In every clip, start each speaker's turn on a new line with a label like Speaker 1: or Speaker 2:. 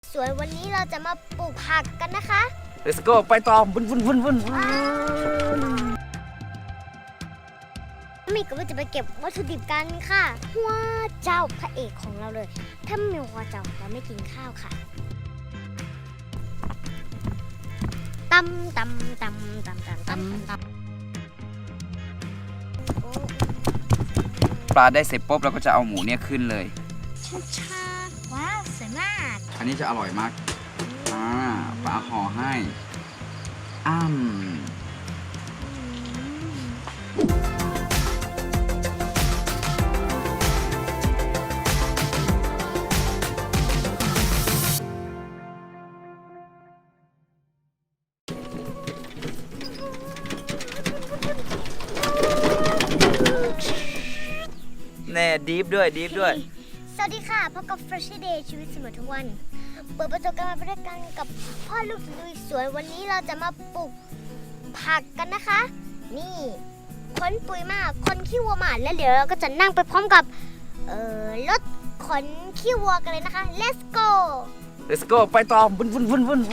Speaker 1: สวยวันนี้เราจะมาปลูกผักกันนะคะ
Speaker 2: Let's go ไปต่อวุ่น
Speaker 1: มีก็จะไปเก็บวัตถุดิบกันค่ะว้าเจ้าพระเอกของเราเลยถ้าไม่มีว้าเจ้าเราไม่กินข้าวค่ะตำ
Speaker 2: ปลาได้เสร็จปุ๊บเราก็จะเอาหมูเนี่ยขึ้นเลย
Speaker 1: ชาว้าวสวยมาก
Speaker 2: อันนี้จะอร่อยมากปลาห่อให้แน่ดีฟด้วย
Speaker 1: สวัสดีค่ะพบกับ Fresh Day ชีวิตเสมอทุกวันเปิดประสบการณ์ไปด้วยกันกับพ่อลูกลุยสวนวันนี้เราจะมาปลูกผักกันนะคะนี่ขนปุ๋ยมาขนขี้วัวมาแล้วเดี๋ยวเราก็จะนั่งไปพร้อมกับรถขนขี้วัวกันเลยนะคะ Let's go
Speaker 2: ไปต่อวุ่น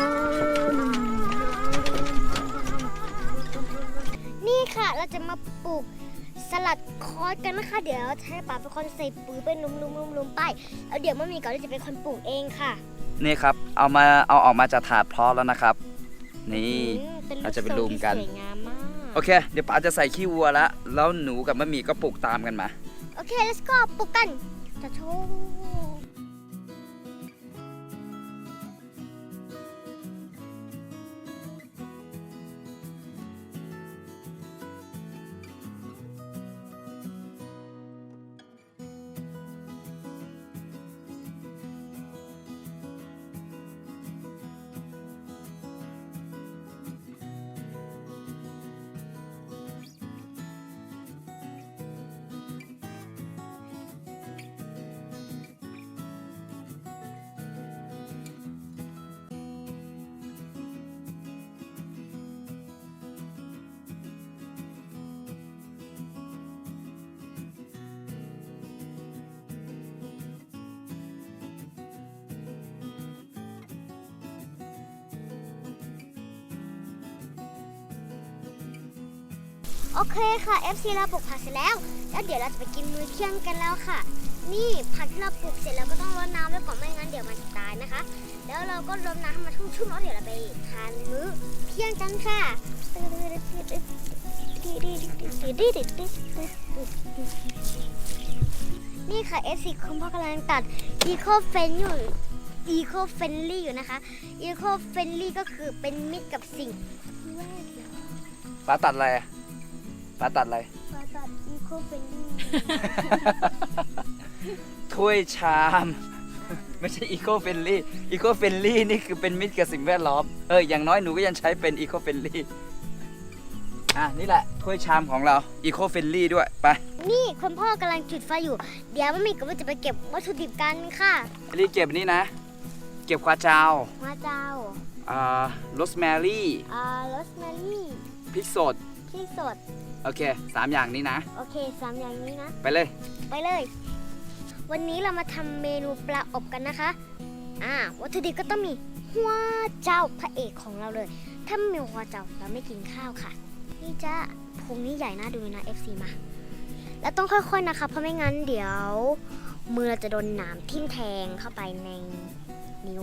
Speaker 1: นี่ค่ะเราจะมาปลูกสลัดคอสกันนะคะเดี๋ยวจะให้ป๋าเป็นคนใส่ปุ๋ยไปลุมไปแล้วเดี๋ยวมัมมี่ก็จะเป็นคนปลูกเองค่ะ
Speaker 2: นี่ครับเอาออกมาจากถาดเพาะแล้วนะครับนี่เราจะไปลุมกัน
Speaker 1: สวยงามมาก
Speaker 2: โอเคเดี๋ยวป๋าจะใส่ขี้วัวแล้วหนูกับมัมมี่ก็ปลูกตามกันมา
Speaker 1: โอเค let's go ปลูกกันจะโชว์โอเคค่ะ FC เราปลูกผักเสร็จแล้วเดี๋ยวเราจะไปกินมื้อเที่ยงกันแล้วค่ะนี่ผักที่เราปลูกเสร็จแล้วก็ต้องรดน้ำไว้ก่อนไม่งั้นเดี๋ยวมันจะตายนะคะแล้วเราก็รดน้ำให้มันชุ่มๆแล้วเดี๋ยวเราไปทานมื้อเที่ยงกันค่ะนี่ค่ะ FC คุณพ่อกำลังตัด Eco Friendly อยู่นะคะ Eco Friendly ก็คือเป็นมิตรกับสิ่งแวดล้อม
Speaker 2: ป๋าตัดอะไรป๋าตัด
Speaker 1: Eco Friendly
Speaker 2: ถ้วยชามไม่ใช่ Eco Friendly Eco Friendly นี่คือเป็นมิตรกับสิ่งแวดล้อมอย่างน้อยหนูก็ยังใช้เป็น Eco Friendly นี่แหละถ้วยชามของเรา Eco Friendly ด้วยไป
Speaker 1: นี่คุณพ่อกำลังจุดไฟอยู่เดี๋ยวมัมมี่ก็จะไปเก็บวัตถุดิบกันค่ะ
Speaker 2: รีบเก็บนี่นะเก็บควาจาวโรสแมรี่พริกสดโอเค3อย่างนี้นะ
Speaker 1: โอเค3อย่างนี้นะ
Speaker 2: ไปเลย
Speaker 1: วันนี้เรามาทำเมนูปลาอบกันนะคะวัตถุดิบก็ต้องมีหัวเจ้าพระเอกของเราเลยถ้าไม่มีหัวเจ้าเราไม่กินข้าวค่ะนี่จ้าพุงนี้ใหญ่น่าดูนะ FC มาแล้วต้องค่อยๆนะคะเพราะไม่งั้นเดี๋ยวมือเราจะโดนหนามทิ่มแทงเข้าไปในนิ้ว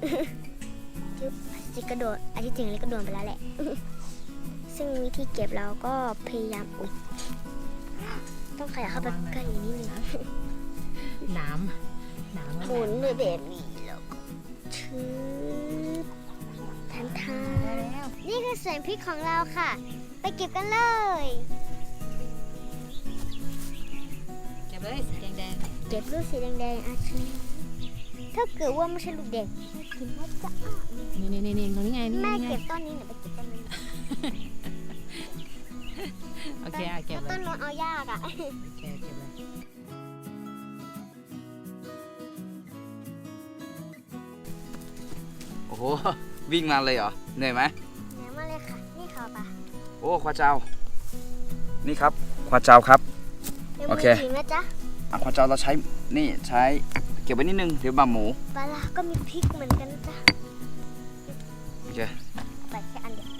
Speaker 1: จิกกระโดดอันที่จริงเลยก็โดนไปแล้วแหละซึ่งวิธีเก็บเราก็พยายามต้องขยับเข้าไปใกล้นิดนึง
Speaker 3: น้ำ
Speaker 1: หมุนเลยแบบนี้แล้วก็ชืบทันนี่คือส่วนพริกของเราค่ะไปเก็บกันเลย
Speaker 3: เก็บเลยสีแดง
Speaker 1: เก็บลูกสีแดงชิถ้าเกิดว่าไม่ใช่ลูกแดงกินว่าจะ
Speaker 3: นี่ตรงนี้ไง
Speaker 1: แม่เก็บต้นนี้หนูไปเก็บต้นนี้
Speaker 3: โอเคเก็บเลย
Speaker 1: ต้นโน้นเอายาก
Speaker 3: โอเคเก็บเลย
Speaker 2: โอ้โหวิ่งมาเลยเหรอเหนื่อยไหม
Speaker 1: เหนื่อยมากเลยค่ะนี่ค่ะป่ะ
Speaker 2: โอ้ควาเจ้านี่ครับควาเจ้าครับโอเค
Speaker 1: นะจ๊ะ
Speaker 2: ควาเจ้าเราใช้ก็บไว้นิดนึงเดี๋ยวบาหมู
Speaker 1: ปลาร้าก็มีพริกเหมือนกันนะจ๊ะ
Speaker 2: โอเค
Speaker 1: ใส่แค่อันเดียว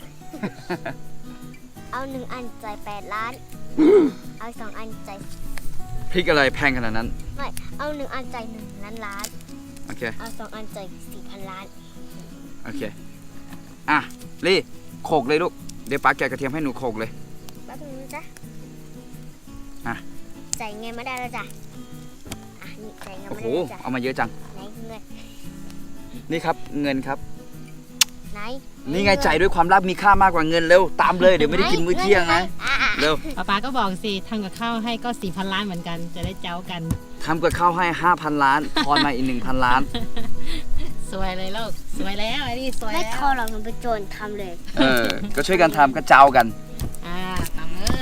Speaker 1: เอา1 อันจ่าย8 ล้าน เอา2 อันจ่าย
Speaker 2: พริกอะไรแพงขนาดนั้น
Speaker 1: ไม่ เอา1 อันจ่าย1 ล้าน
Speaker 2: โอเค
Speaker 1: เอา2 อันจ่าย4,000 ล้าน
Speaker 2: โอเค อ่ะลี่โขกเลยลูก เดี๋ยวป้าแกะกระเทียมให้หนูโขกเลย
Speaker 1: แป๊บนึงนะจ๊ะ
Speaker 2: อ่ะ
Speaker 1: จ่ายเงินมาได้แล้วจ้ะ อ่ะ นี่จ่ายเงิน
Speaker 2: โอ้
Speaker 1: มา
Speaker 2: โห
Speaker 1: ได้แล้วจ้ะ
Speaker 2: เอามาเยอะจัง
Speaker 1: ไหนเงิน
Speaker 2: นี่ครับเงินครับ
Speaker 1: ไหน
Speaker 2: นี่ไงจ่ายด้วยความรักมีค่ามากกว่าเงินเร็ว ตามเลย เดี๋ยวไม่ได้กินมื้อเที่ยงนะ
Speaker 1: อ่ะ
Speaker 2: เร็ว
Speaker 3: ป๊าก็บอกสิทำกับข้าวให้ก็ 4,000 ล้านเหมือนกัน จะได้เจ้ากัน
Speaker 2: ทำกับข้าวให้ 5,000 ล้าน ทอนมาอีก 1,000 ล้าน
Speaker 3: สวยเลยลูก สวยแล้วไอ้นี่สวย
Speaker 1: ไม่
Speaker 3: แล้ว
Speaker 1: ทอหรอกหนูไปโจรทำเลย
Speaker 2: เออ ก็ช่วยกันทำก็เจ้ากัน
Speaker 3: ตามเลย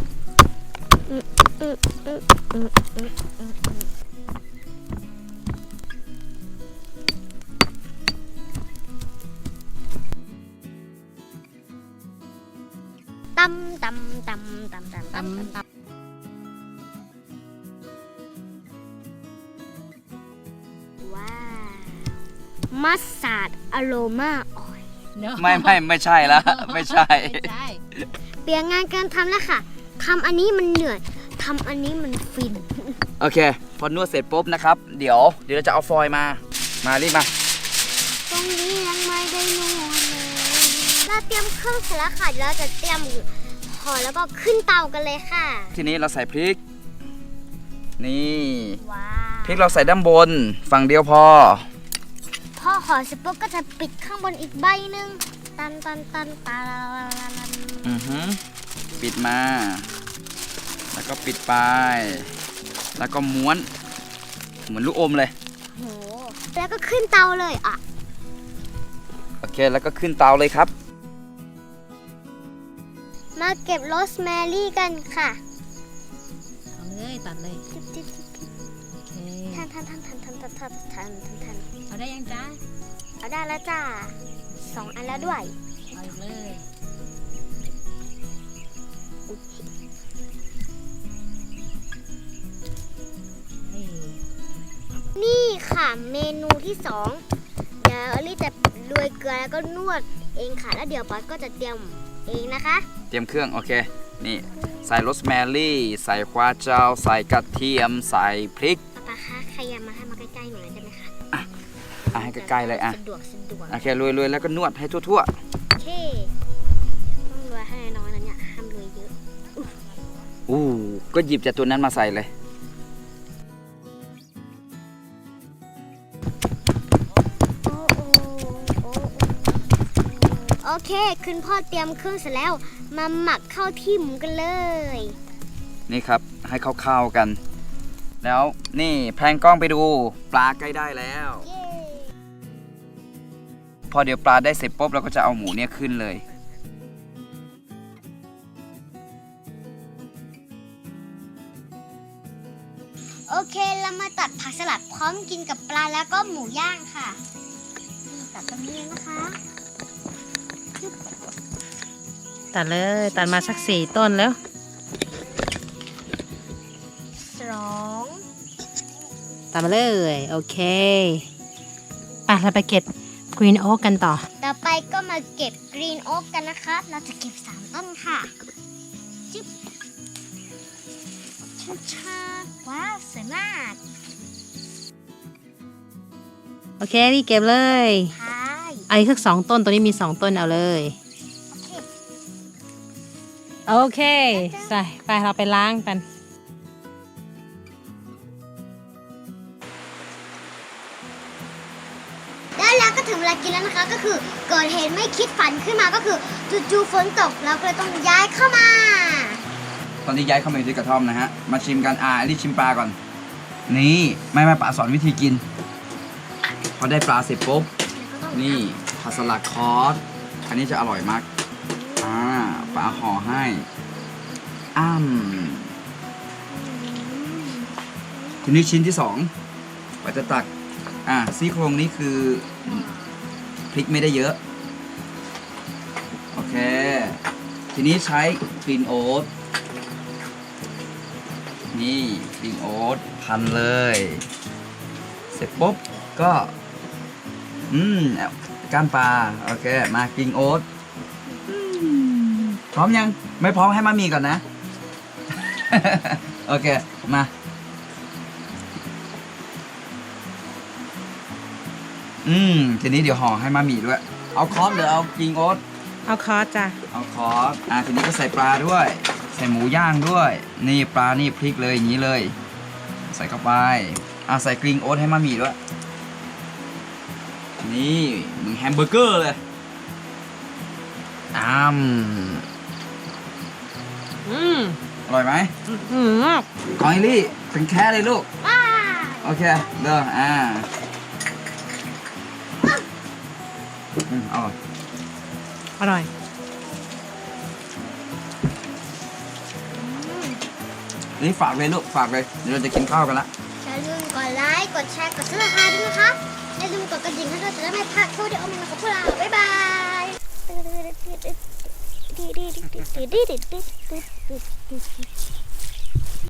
Speaker 1: ตำตำตำตำตำ
Speaker 3: ตาม
Speaker 1: ตำ
Speaker 3: ตาม
Speaker 1: ว้าวมัสตาร์ดอโรมาออยล์
Speaker 3: เนอะ
Speaker 2: ไม่ใช่แล้ว ไม่ใช่
Speaker 3: ไม่ใช่
Speaker 1: เปลี่ยนงานการทำแล้วค่ะทำอันนี้มันเหนื่อยทำอันนี้มันฟิน
Speaker 2: โอเค พอนวดเสร็จปุ๊บนะครับ เดี๋ยวเราจะเอาฟอยล์มา มารีบมา
Speaker 1: ตรงนี้ยังไม่ได้นวดเลยเราเตรียมเครื่องเสร็จแล้วค่ะเดี๋ยวเราจะเตรียมห่อแล้วก็ขึ้นเตากันเลยค่ะ
Speaker 2: ทีนี้เราใส่พริก นี่
Speaker 1: ว้า
Speaker 2: พริกเราใส่ด้านบน ฝั่งเดียวพอ
Speaker 1: พอห่อเสร็จปุ๊บก็จะปิดข้างบนอีกใบหนึ่งตันตันตันตาลาลาลาลา
Speaker 2: อือฮึปิดมา แล้วก็ปิดไป แล้วก็ม้วน เหมือนลูกอมเลย
Speaker 1: โหแล้วก็ขึ้นเตาเลยอ่ะ
Speaker 2: โอเค แล้วก็ขึ้นเตาเลยครับ
Speaker 1: มาเก็บโรสแมรี่กันค่ะ
Speaker 3: เอาเลยตัดเลย
Speaker 1: จิ๊บจิ๊บจิ๊บจิ๊บ
Speaker 3: โอเค
Speaker 1: ทันทันทันทันทันทันทันทันทันทัน
Speaker 3: เอาได้ยังจ้า
Speaker 1: เอาได้แล้วจ้า2 อันแล้วด้วย
Speaker 3: เอาอีกเลยนี่
Speaker 1: นี่ค่ะเมนูที่ 2 เดี๋ยวอลี่จะโรยเกลือแล้วก็นวดเองค่ะแล้วเดี๋ยวป๊าก็จะเตรียมเองนะคะ
Speaker 2: เตรียมเครื่อง โอเค นี่ ใส่โรสแมรี่ ใส่ควาเจ้า ใส่กระเทียม ใส่พริก
Speaker 1: ป๊าคะขยับมาให้มาใกล้ๆหน่อยได้ไหมคะ
Speaker 2: อ่ะให้ใกล้ๆเลยอ่ะ
Speaker 1: สะดวกสะดวก
Speaker 2: โอเครวยๆแล้วก็นวดให้ทั่ว
Speaker 1: โอเคต้องโรยให้น้อยๆนะเนี่ยห้ามโรยเยอะ
Speaker 2: ๆ อู้ก็หยิบจากตัวนั้นมาใส่เลย
Speaker 1: โอ้โอ้โอ้โอเคคุณพ่อเตรียมเครื่องเสร็จแล้วมาหมักเข้าที่หมูกันเลย
Speaker 2: นี่ครับ ให้เข้าๆกัน แล้วนี่แพนกล้องไปดู ปลาใกล้ได้แล้ว
Speaker 1: เย้
Speaker 2: พอเดี๋ยวปลาได้เสร็จปุ๊บเราก็จะเอาหมูเนี่ยขึ้นเลย
Speaker 1: โอเคเรามาตัดผักสลัดพร้อมกินกับปลาแล้วก็หมูย่างค่ะนี่ตัดตรงนี้นะคะ
Speaker 3: ตัดเลย ตัดมาสัก4 ต้นแล้ว
Speaker 1: 2
Speaker 3: ตัดมาเลย โอเคไปเราไปเก็บกรีนโอ๊กกันต่อ
Speaker 1: ต่อไปก็มาเก็บกรีนโอ๊กกันนะคะ เราจะเก็บ3 ต้นค่ะจิ๊บชาว้าวสวยมาก
Speaker 3: โอเครีบเก็บเลย
Speaker 1: ใช่
Speaker 3: เอาอีกสัก2 ต้น ตัวนี้มี2 ต้นเอาเลย
Speaker 1: โอเค
Speaker 3: โอเคใส่ไปเราไปล้างกัน
Speaker 1: แล้วเราก็ถึงเวลากินแล้วนะคะ ก็คือเกิดเหตุไม่คิดฝันขึ้นมาก็คือจู่ๆฝนตกเราก็เลยต้องย้ายเข้ามา
Speaker 2: ตอนนี้ย้ายเข้ามาอยู่ที่กระท่อมนะฮะ มาชิมกันรีบชิมปลาก่อน นี่ไม่ป๋าสอนวิธีกิน พอได้ปลาเสร็จปุ๊บ นี่ผักสลัดคอส อันนี้จะอร่อยมากปลาห่อให้ทีนี้ชิ้นที่2ป๋าจะตักซี่โครงนี้คือพริกไม่ได้เยอะ โอเค ทีนี้ใช้กรีนโอ๊ตนี่กรีนโอ๊ตพันเลยเสร็จปุ๊บก็ก้านปลาโอเคมากินโอ๊ตพร้อมยังไม่พร้อมให้มามีก่อนนะ โอเคมาทีนี้เดี๋ยวห่อให้มามีด้วยเอาคอสหรือเอากินโอ๊ต
Speaker 3: เอาคอร์สจ้ะ
Speaker 2: เอาคอสทีนี้ก็ใส่ปลาด้วยใส่หมูย่างด้วยนี่ปลานี่พริกเลยอย่างนี้เลยใส่เข้าไปใส่กรีนโอ๊ตให้มามีด้วยนี่มึงแฮมเบอร์เกอร์เลยอร่อยไหมกอยลี่เป็นแค่เลยลูกโอเคเด้ออร่อย
Speaker 3: อร่อย
Speaker 2: นี่ฝากเลยลูกฝากเลยเดี๋ยวเราจะกินข้าวกันละ
Speaker 1: อย่าลืมกดไลค์ กดแชร์ กดซับสไครต์ด้วยนะคะอย่าลืมกดกระดิ่งให้เราจะได้ไม่พลาดวิดีโอใหม่ๆของพวกเรา บ๊ายบาย